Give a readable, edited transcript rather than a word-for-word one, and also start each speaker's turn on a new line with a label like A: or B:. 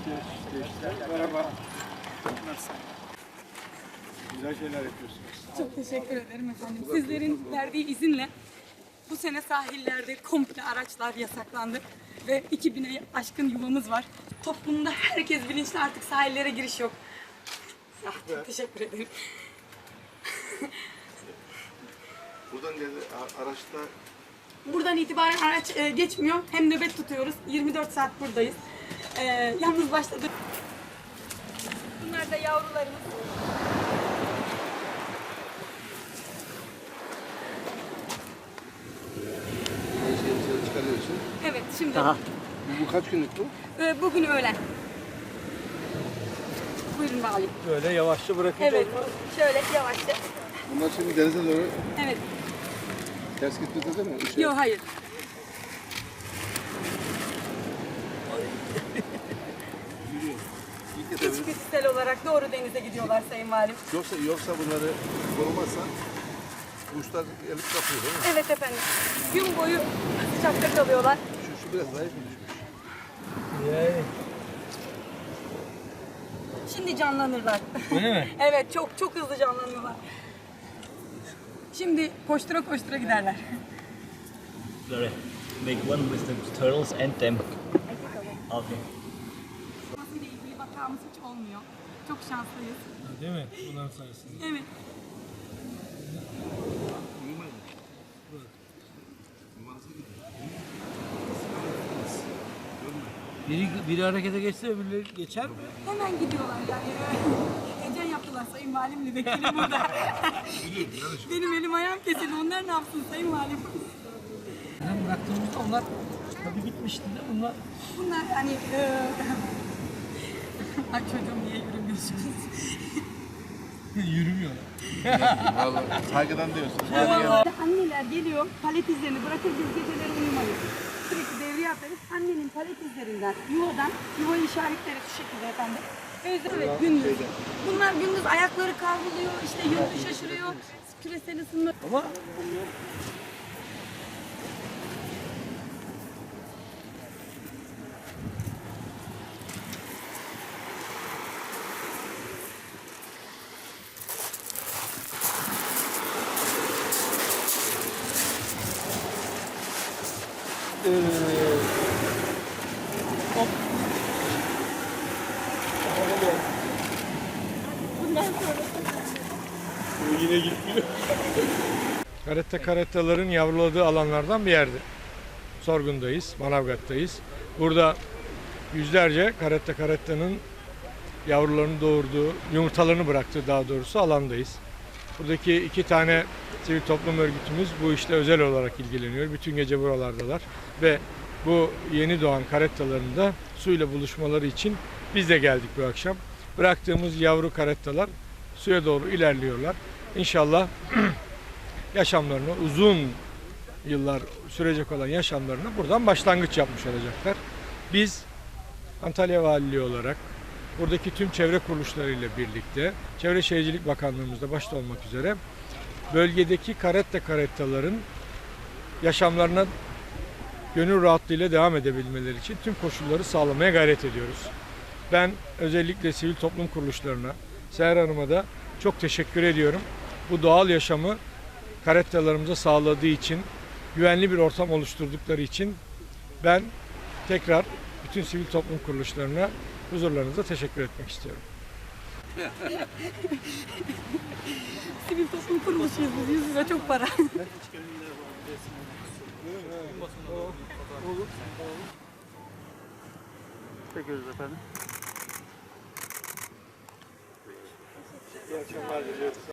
A: Merhaba. Nasılsın? Güzel şeyler yapıyorsunuz.
B: Çok teşekkür ederim efendim. Sizlerin verdiği izinle bu sene sahillerde komple araçlar yasaklandı ve 2000'e aşkın yuvamız var. Toplumda herkes bilinçli, artık sahillere giriş yok. Ah, çok teşekkür ederim.
C: Buradan araçta
B: Buradan itibaren araç geçmiyor. Hem nöbet tutuyoruz. 24 saat buradayız. Yalnız başladı. Bunlar da yavrularımız.
C: dışarı çıkarıyorsun.
B: Evet, şimdi.
C: Bu kaç günlük bu?
B: Bugün öğlen. Buyurun valim.
A: Böyle yavaşça bırakacağız.
B: Evet, şöyle yavaşça.
C: Bunlar şimdi denize doğru
B: Evet.
C: ters gitmedi değil mi?
B: Yok, hayır. İçgüdüsel olarak doğru denize gidiyorlar Sayın Valim.
C: Yoksa bunları korumazsan kuşlar gelip kapıyor değil mi?
B: Evet efendim. Gün boyu sıcakta kalıyorlar.
C: Şu biraz zayıf mı düşmüş?
A: Yani.
B: Şimdi canlanırlar.
A: Öyle mi?
B: Evet, çok hızlı canlanıyorlar. Şimdi koştura koştura giderler.
D: Sorry. Make one with the turtles and them. Okay.
B: Ile ilgili vakamız hiç olmuyor. Çok şanslıyız.
A: Değil mi? Bunların sayesinde.
B: Evet.
A: Biri harekete geçse öbürleri geçer mi?
B: Hemen gidiyorlar yani. Heyecan yaptılar Sayın Valimle, beklerim burada. Benim elim ayağım kesildi. Onlar ne yapsın Sayın Valim?
A: Ben bıraktığımızda onlar tabii gitmişti de bunlar.
B: Bunlar hani... Ay çocuğum, niye yürümüyorsunuz?
A: Yürümüyorlar.
C: Vallahi saygıdan diyorsun.
B: Anneler geliyor, palet izlerini bırakır, biz geceleri uyumayız. Sürekli devriye atarız. Annenin palet izlerinden, yuvayı işaretleri şu şekilde efendim. Evet, gündüz. Bunlar gündüz ayakları kavruluyor, işte yönünü şaşırıyor, küresel ısınma.
A: Ama hop. Bu yine gitmiyor. Karettaların yavruladığı alanlardan bir yerde. Sorgun'dayız, Manavgat'tayız. Burada yüzlerce karettanın yavrularını doğurduğu, yumurtalarını bıraktığı daha doğrusu alandayız. Buradaki 2 tane sivil toplum örgütümüz bu işle özel olarak ilgileniyor. Bütün gece buralardalar ve bu yeni doğan karettaların da suyla buluşmaları için biz de geldik bu akşam. Bıraktığımız yavru karettalar suya doğru ilerliyorlar. İnşallah yaşamlarını, uzun yıllar sürecek olan yaşamlarını buradan başlangıç yapmış olacaklar. Biz Antalya Valiliği olarak buradaki tüm çevre kuruluşlarıyla birlikte Çevre Şehircilik Bakanlığımızda başta olmak üzere bölgedeki karettaların yaşamlarına gönül rahatlığıyla devam edebilmeleri için tüm koşulları sağlamaya gayret ediyoruz. Ben özellikle sivil toplum kuruluşlarına, Seher Hanım'a da çok teşekkür ediyorum. Bu doğal yaşamı karettalarımıza sağladığı için, güvenli bir ortam oluşturdukları için ben tekrar bütün sivil toplum kuruluşlarına huzurlarınızda teşekkür etmek istiyorum.
B: Sivil toplum kuruluşuyuz biz, 100 lira çok para.
A: Çekiyoruz efendim. İyi akşamlar diliyoruz.